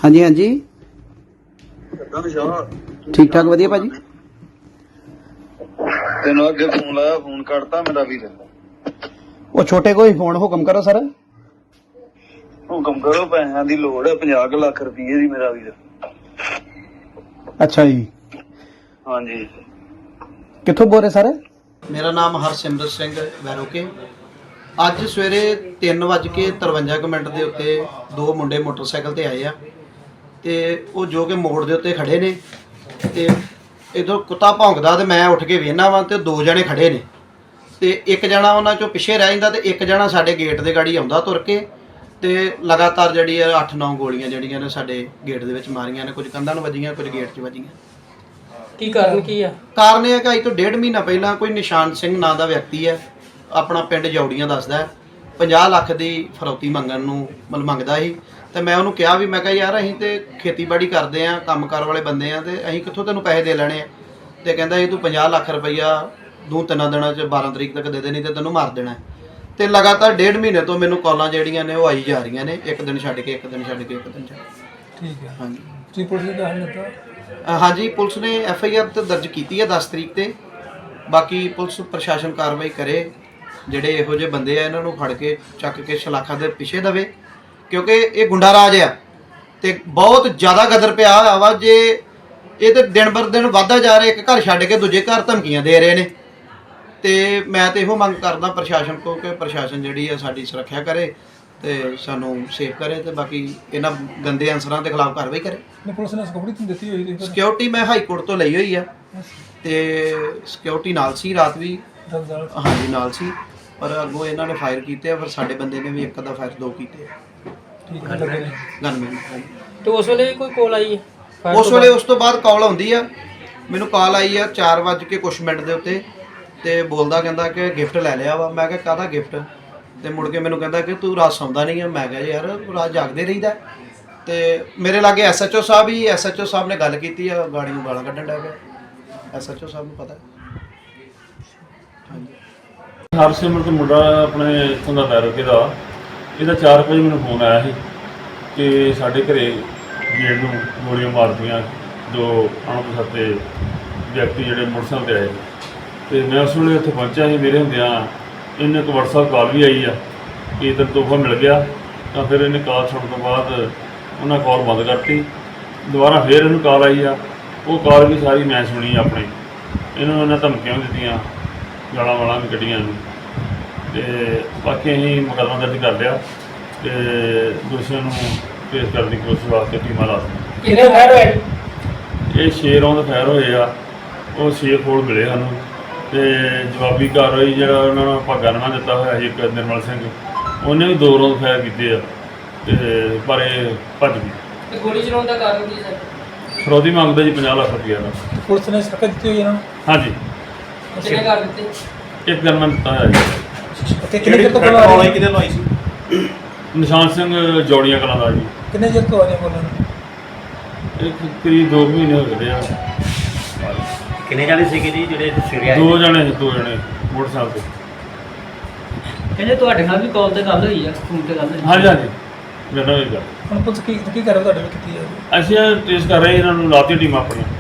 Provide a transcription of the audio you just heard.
हाँ जी हाँ जी ठीक ठाक वधिया भाजी। तेन अगे फोन लाया, फोन करता मेरा वीर। वो छोटे को ही फोन हुक्म करो सर। हुक्म करो, पैसों की लोड़ है, 50 लाख रुपये की मेरा वीर। अच्छा जी, हाँ जी, कितों बोल रहे सर? मेरा नाम हरसिमरत सिंह वैरोके। ਅੱਜ ਸਵੇਰੇ 3:53 ਦੇ ਉੱਤੇ ਦੋ ਮੁੰਡੇ ਮੋਟਰਸਾਈਕਲ ਤੇ ਆਏ ਆ ਤੇ ਉਹ ਜੋ ਕਿ ਮੋੜ ਦੇ ਉੱਤੇ ਖੜੇ ਨੇ ਤੇ ਇਧਰ ਕੁੱਤਾ ਭੌਂਕਦਾ ਤੇ ਮੈਂ ਉੱਠ ਕੇ ਵੇਖਣਾ ਵਾਂ ਤੇ ਦੋ ਜਣੇ ਖੜੇ ਨੇ ਤੇ ਇੱਕ ਜਣਾ ਉਹਨਾਂ ਚੋਂ ਪਿੱਛੇ ਰਹਿ ਜਾਂਦਾ ਤੇ ਇੱਕ ਜਣਾ ਸਾਡੇ ਗੇਟ ਦੇ ਗਾੜੀ ਆਉਂਦਾ ਤੁਰ ਕੇ ਤੇ ਲਗਾਤਾਰ ਜਿਹੜੀ 8-9 ਗੋਲੀਆਂ ਜਿਹੜੀਆਂ ਨੇ ਸਾਡੇ ਗੇਟ ਦੇ ਵਿੱਚ ਮਾਰੀਆਂ ਨੇ, ਕੁਝ ਕੰਧਾਂ ਨੂੰ ਵੱਜੀਆਂ, ਕੁਝ ਗੇਟ 'ਚ ਵੱਜੀਆਂ। ਕੀ ਕਾਰਨ ਕੀ ਆ? ਕਾਰਨ ਇਹ ਹੈ ਕਿ ਅੱਜ ਤੋਂ 1.5 ਮਹੀਨਾ ਪਹਿਲਾਂ ਕੋਈ ਨਿਸ਼ਾਨ ਸਿੰਘ ਨਾਂ ਦਾ ਵਿਅਕਤੀ ਹੈ, ਆਪਣਾ ਪਿੰਡ ਜੌੜੀਆਂ ਦੱਸਦਾ, 50 ਲੱਖ ਦੀ ਫਰੌਤੀ ਮੰਗਣ ਨੂੰ ਮੰਗਦਾ ਸੀ ਤੇ ਮੈਂ ਉਹਨੂੰ ਕਿਹਾ ਵੀ ਮੈਂ ਕਿਹਾ ਯਾਰ ਅਸੀਂ ਤੇ ਖੇਤੀਬਾੜੀ ਕਰਦੇ ਆ, ਕੰਮਕਾਰ ਵਾਲੇ ਬੰਦੇ ਆ ਤੇ ਅਸੀਂ ਕਿੱਥੋਂ ਤੈਨੂੰ ਪੈਸੇ ਦੇ ਲੈਣੇ ਆ। ਤੇ ਕਹਿੰਦਾ ਇਹ ਤੂੰ 50 ਲੱਖ ਰੁਪਈਆ 2-3 ਦਿਨਾਂ 'ਚ 12 ਤਰੀਕ ਤੱਕ ਦੇ ਦੇ, ਨਹੀਂ ਤੇ ਤੈਨੂੰ ਮਾਰ ਦੇਣਾ। ਤੇ ਲਗਾਤਾਰ 1.5 ਮਹੀਨੇ ਤੋਂ ਮੈਨੂੰ ਕਾਲਾਂ ਜਿਹੜੀਆਂ ਨੇ ਉਹ ਆਈ ਜਾ ਰਹੀਆਂ ਨੇ, ਇੱਕ ਦਿਨ ਛੱਡ ਕੇ ਇੱਕ ਦਿਨ ਛੱਡ ਕੇ ਇੱਕ ਦਿਨ ਛੱਡ ਕੇ। ਠੀਕ ਹੈ। ਹਾਂਜੀ, ਤੁਸੀਂ ਪੁਲਿਸ ਨੂੰ ਦੱਸ ਦਿੱਤਾ? ਹਾਂਜੀ, ਪੁਲਿਸ ਨੇ FIR ਤੇ ਦਰਜ ਕੀਤੀ ਹੈ 10 ਤਰੀਕ ਤੇ। ਬਾਕੀ ਪੁਲਿਸ ਪ੍ਰਸ਼ਾਸਨ ਕਾਰਵਾਈ ਕਰੇ, ਜਿਹੜੇ ਇਹੋ ਜਿਹੇ ਬੰਦੇ ਆ ਇਹਨਾਂ ਨੂੰ ਫੜ ਕੇ ਚੱਕ ਕੇ ਸ਼ਲਾਖਾਂ ਦੇ ਪਿੱਛੇ ਦਵੇ, ਕਿਉਂਕਿ ਇਹ ਗੁੰਡਾ ਰਾਜ ਆ ਤੇ ਬਹੁਤ ਜ਼ਿਆਦਾ ਗਦਰ ਪਿਆ ਹੋਇਆ ਵਾ। ਜੇ ਇਹ ਤੇ ਦਿਨ ਬਰ ਦਿਨ ਵੱਧਦਾ ਜਾ ਰਿਹਾ, ਇੱਕ ਘਰ ਛੱਡ ਕੇ ਦੂਜੇ ਘਰ ਧਮਕੀਆਂ ਦੇ ਰਹੇ ਨੇ ਤੇ ਮੈਂ ਤੇ ਇਹੋ ਮੰਗ ਕਰਦਾ ਪ੍ਰਸ਼ਾਸਨ ਕੋਲ ਕਿ ਪ੍ਰਸ਼ਾਸਨ ਜਿਹੜੀ ਆ ਸਾਡੀ ਸੁਰੱਖਿਆ ਕਰੇ ਤੇ ਸਾਨੂੰ ਸੇਫ ਕਰੇ ਤੇ ਬਾਕੀ ਇਹਨਾਂ ਗੰਦੇ ਅਨਸਰਾਂ ਦੇ ਖਿਲਾਫ ਕਾਰਵਾਈ ਕਰੇ। ਪੁਲਿਸ ਨੇ ਸਿਕਿਉਰਿਟੀ ਦਿੱਤੀ ਹੋਈ ਸੀ? ਸਿਕਿਉਰਿਟੀ ਮੈਂ ਹਾਈ ਕੋਰਟ ਤੋਂ ਲਈ ਹੋਈ ਆ ਤੇ ਸਿਕਿਉਰਿਟੀ ਨਾਲ ਸੀ, ਰਾਤ ਵੀ ਹਾਂਜੀ ਨਾਲ ਸੀ, ਪਰ ਅੱਗੋਂ ਇਹਨਾਂ ਨੇ ਫਾਇਰ ਕੀਤੇ ਆ, ਫਿਰ ਸਾਡੇ ਬੰਦੇ ਨੇ ਵੀ ਇੱਕ ਦਾ ਫਾਇਰ 2 ਕੀਤੇ ਆ। ਠੀਕ ਹੈ, ਲੱਗੇ ਨੇ ਗਨਮੈਨ। ਤੇ ਉਸ ਵੇਲੇ ਕੋਈ ਕਾਲ ਆਈ ਹੈ? ਉਸ ਵੇਲੇ ਉਸ ਤੋਂ ਬਾਅਦ ਕਾਲ ਆਉਂਦੀ ਆ, ਮੈਨੂੰ ਕਾਲ ਆਈ ਆ 4:00 ਦੇ ਉੱਤੇ ਤੇ ਬੋਲਦਾ ਕਹਿੰਦਾ ਕਿ ਗਿਫਟ ਲੈ ਲਿਆ ਵਾ। ਮੈਂ ਕਿਹਾ ਕਾਹਦਾ ਗਿਫਟ? ਤੇ ਮੁੜ ਕੇ ਮੈਨੂੰ ਕਹਿੰਦਾ ਕਿ ਤੂੰ ਰਾਤ ਸੌਂਦਾ ਨਹੀਂ ਆ। ਮੈਂ ਕਿਹਾ ਯਾਰ ਰਾਤ ਜਾਗਦੇ ਰਹੀਦਾ। ਤੇ ਮੇਰੇ ਲਾਗੇ SHO ਸਾਹਿਬ ਹੀ, SHO ਸਾਹਿਬ ਨੇ ਗੱਲ ਕੀਤੀ ਆ, ਗਾੜੀ ਨੂੰ ਗਾਲਾਂ ਕੱਢਣ ਲੱਗ ਪਿਆ। SHO ਸਾਹਿਬ ਨੂੰ ਪਤਾ। ਹਾਂਜੀ, ਹਰਸਿਮਰਤ ਮੁੰਡਾ ਆਪਣੇ ਇੱਥੋਂ ਦਾ ਵੈਰੋਕੇ ਦਾ, ਇਹਦਾ 4 ਵਜੇ ਮੈਨੂੰ ਫੋਨ ਆਇਆ ਸੀ ਕਿ ਸਾਡੇ ਘਰੇ ਗੇਟ ਨੂੰ ਗੋਲੀਆਂ ਮਾਰਦੀਆਂ ਦੋ ਅਣਪਛਾਤੇ ਵਿਅਕਤੀ ਜਿਹੜੇ ਮੋਟਰਸਾਈਕਲ 'ਤੇ ਆਏ। ਤੇ ਮੈਂ ਉਸ ਵੇਲੇ ਉੱਥੇ ਪਹੁੰਚਿਆ ਸੀ। ਮੇਰੇ ਹੁੰਦਿਆਂ ਇਹਨੇ ਇੱਕ WhatsApp ਕਾਲ ਵੀ ਆਈ ਆ ਕਿ ਤੈਨੂੰ ਤੋਹਫਾ ਮਿਲ ਗਿਆ। ਤਾਂ ਫਿਰ ਇਹਨੇ ਕਾਲ ਸੁਣਨ ਤੋਂ ਬਾਅਦ ਉਹਨਾਂ ਕਾਲ ਬੰਦ ਕਰਤੀ। ਦੁਬਾਰਾ ਫਿਰ ਇਹਨੂੰ ਕਾਲ ਆਈ ਆ, ਉਹ ਕਾਲ ਵੀ ਸਾਰੀ ਮੈਂ ਸੁਣੀ ਆਪਣੇ। ਇਹਨੂੰ ਇਹਨਾਂ ਧਮਕੀਆਂ ਦਿੱਤੀਆਂ, ਗਾਲਾਂ ਵਾਲਾਂ ਵੀ ਕੱਢੀਆਂ ਨੇ ਤੇ ਬਾਕੀ ਅਸੀਂ ਮੁਕੱਦਮਾ ਦਰਜ ਕਰ ਲਿਆ ਤੇ ਦੋਸ਼ੀਆਂ ਨੂੰ ਪੇਸ਼ ਕਰਨ ਦੀ ਕੋਸ਼ਿਸ਼ ਵਾਸਤੇ ਟੀਮਾਂ ਲਾ ਦਿੱਤੀਆਂ। ਕਿੰਨੇ ਫਾਇਰ ਹੋਏ? ਇਹ 6 ਰੌਂਦ ਫਾਇਰ ਹੋਏ ਆ, ਉਹ 6 ਖੋਲ ਮਿਲੇ ਸਾਨੂੰ ਤੇ ਜਵਾਬੀ ਕਾਰਵਾਈ ਜਿਹੜਾ ਉਹਨਾਂ ਨੂੰ ਭਾਗਾ ਨਾਮਾ ਦਿੱਤਾ ਹੋਇਆ ਸੀ ਇੱਕ ਨਿਰਮਲ ਸਿੰਘ, ਉਹਨੇ ਵੀ 2 ਰੌਂਦ ਫਾਇਰ ਕੀਤੇ ਆ ਤੇ ਪਰ ਇਹ ਭੱਜ ਗਈ। ਤੇ ਗੋਲੀ ਚਲਾਉਣ ਦਾ ਕਾਰਨ ਕੀ ਸਰ? ਫਰੌਤੀ ਮੰਗਦਾ ਜੀ 50 ਲੱਖ ਰੁਪਈਆ ਦਾ। ਪੁਲਿਸ ਨੇ ਸ਼ਿਕਾਇਤ ਦਿੱਤੀ ਹੋਈ ਇਹਨਾਂ ਨੂੰ? ਹਾਂਜੀ, ਕਿੰਨੇ ਕਰ ਦਿੱਤੇ? ਇੱਕ ਦਿਨ ਮੈਂ ਦਿੱਤਾ ਹੋਇਆ ਜੀ। ਤੇ ਕਿੰਨੇ ਚਿਰ ਤੋਂ ਬੋਲ ਕਿਹਦੇ ਲਵਾਈ ਸੀ? ਨਿਸ਼ਾਨ ਸਿੰਘ ਜੌੜੀਆਂ ਕਲਾਂ ਦਾ ਜੀ। ਕਿੰਨੇ ਚਿਰ ਤੋਂ ਆ ਰਹੇ ਬੋਲਣ? ਇੱਕ ਕਰੀਬ 2 ਮਹੀਨੇ ਹੋ ਗਏ ਆ। ਕਿੰਨੇ ਜਾਣੇ ਸੀਗੇ ਜੀ ਜਿਹੜੇ ਸਵੇਰੇ ਆਏ? 2 ਜਣੇ ਮੋਟਰਸਾਈਕਲ ਤੇ। ਕਹਿੰਦੇ ਤੁਹਾਡੇ ਨਾਲ ਵੀ ਕਾਲ ਤੇ ਗੱਲ ਹੋਈ ਆ, ਫੋਨ ਤੇ ਗੱਲ ਹੋਈ? ਹਾਂਜੀ ਹਾਂਜੀ, ਮੇਰੇ ਨਾਲ ਇਹ ਗੱਲ। ਹੁਣ ਪੁਲਿਸ ਕੀ ਕਰ ਰਹੀ ਤੁਹਾਡੇ ਵਿੱਚ ਕੀਤੀ ਹੈ? ਅਸੀਂ ਟ੍ਰੇਸ ਕਰ ਰਹੇ ਇਹਨਾਂ ਨੂੰ, ਲਾਤੀ ਟੀਮ ਆਪਣੀ।